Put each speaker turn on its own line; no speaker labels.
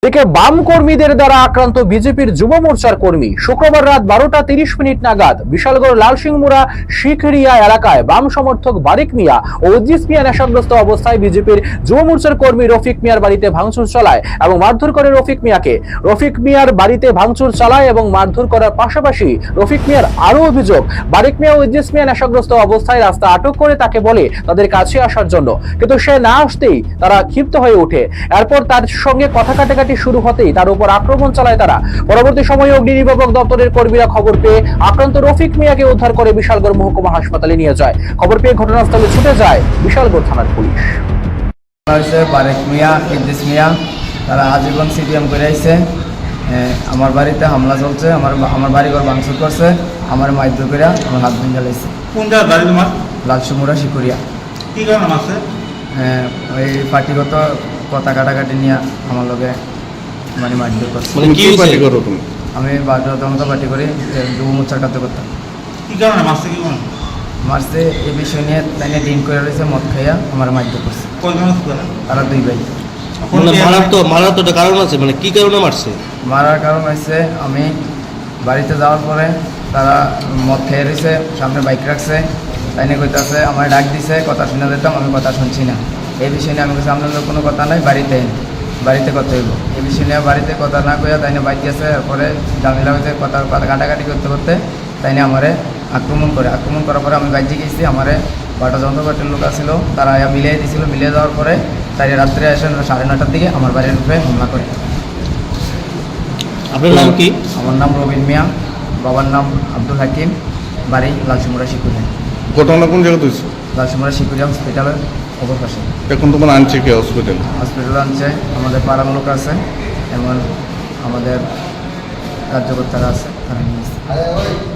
এদিকে বাম কর্মীদের দ্বারা আক্রান্ত বিজেপির যুব মোর্চার কর্মী শুক্রবার রাত 12টা 30 মিনিট নাগাদ বিশালগড় লালসিংমুড়া শিখরিয়া এলাকায় বাম সমর্থক বারিক মিয়া ও উদ্দিস মিয়া নেশাগ্রস্ত অবস্থায় বিজেপির যুব মোর্চার কর্মী রফিক মিয়ার বাড়িতে ভাঙচুর চালায় এবং মারধর করে রফিক মিয়াকে। রফিক মিয়ার বাড়িতে ভাঙচুর চালায় এবং মারধর করার পাশাপাশি রফিক মিয়ার আরো অভিযোগ, বারিক মিয়া ও উদ্দিস মিয়া নেশাগ্রস্ত অবস্থায় রাস্তা আটক করে তাকে বলে তাদের কাছে আসার জন্য, কিন্তু সে না আসতেই তারা ক্ষিপ্ত হয়ে ওঠে। এরপর তার সঙ্গে কথা কাটাকাটি শুরু হতেই তার উপর আক্রমণ চালায় তারা। পরবর্তী সময়ে অগ্নি নির্বাপক দপ্তরের কর্মীরা খবর পেয়ে আক্রান্ত রফিক মিয়াকে উদ্ধার করে বিশালগড় মহকুমা হাসপাতালে নিয়ে যায়। খবর পেয়ে ঘটনাস্থলে ছুটে যায় বিশালগড় থানার পুলিশ।
বারিক মিয়া, উদ্দিস মিয়া তারা আজীবন সিপিএম করে আইছে। আমার বাড়িতে হামলা চলছে, আমার বাড়িঘর ভাঙচুর করছে, আমার মারধর করে আমার হাত ভেঙে লাইছে।
কোন জায়গার বাড়ি তোমার?
লালসিংমুড়া শিকুরিয়া।
কি কারণ আছে?
ওই পার্টিগত কথা কাটাকাটি নিয়ে আমার লগে মানে মারধর করছে।
মানে কি পার্টি করো তুমি?
আমি বাধ্যতামূলক পার্টি করি, যুব মোর্চার কাজ করতাম।
কি কারণে মারছে? কি কারণ
মারছে এই বিষয় নিয়ে তাই ডিন করে রয়েছে, মদ খাইয়া আমার মারধর করছে।
কয়জন আছে তারা?
তারা দুই ভাই।
মানে মারার তো একটা কারণ আছে, মানে কি কারণে মারছে?
মারার কারণ হচ্ছে আমি বাড়িতে যাওয়ার পরে তারা মদ খেয়ে রয়েছে, সামনে বাইক রাখছে, তাই নিয়ে কইতাছে আমার ডাক দিছে, কথা শুনে যেতাম, আমি কথা শুনছি না। এই বিষয় নিয়ে আমি কাছে আপনাদের কোনো কথা নাই, বাড়িতে কথা হইব। এই বিষয় নিয়ে বাড়িতে কথা না কইয়া তাই নিয়ে বাইক গেছে। এরপরে জামিলা হইতে কথা কাটাকাটি করতে করতে তাই নিয়ে আমারে আক্রমণ করার পরে আমি বাইকে গেছি। আমারে বাটা যন্ত্রপাতির লোক আসছিল, তারা মিলিয়ে দিয়েছিল। মিলিয়ে দেওয়ার পরে তাই রাত্রে এসে 9:30টার দিকে আমার বাড়ির উপরে হামলা করে।
আপনার নাম কি?
আমার নাম রবিন মিয়া, বাবার নাম আব্দুল হাকিম, বাড়ি লালসিংমুড়া শিকুরিয়া।
ঘটনা কোন জায়গাতে হয়েছে?
লালসিংমুড়া শিকুরিয়া হসপিটালের অপর পাশে।
এখন তোমার আনছে কে হসপিটালে?
হসপিটালে আনছে আমাদের পাড়ার লোক আছে, এমন আমাদের রাজ্যকর্তারা আছে, তারা নিয়ে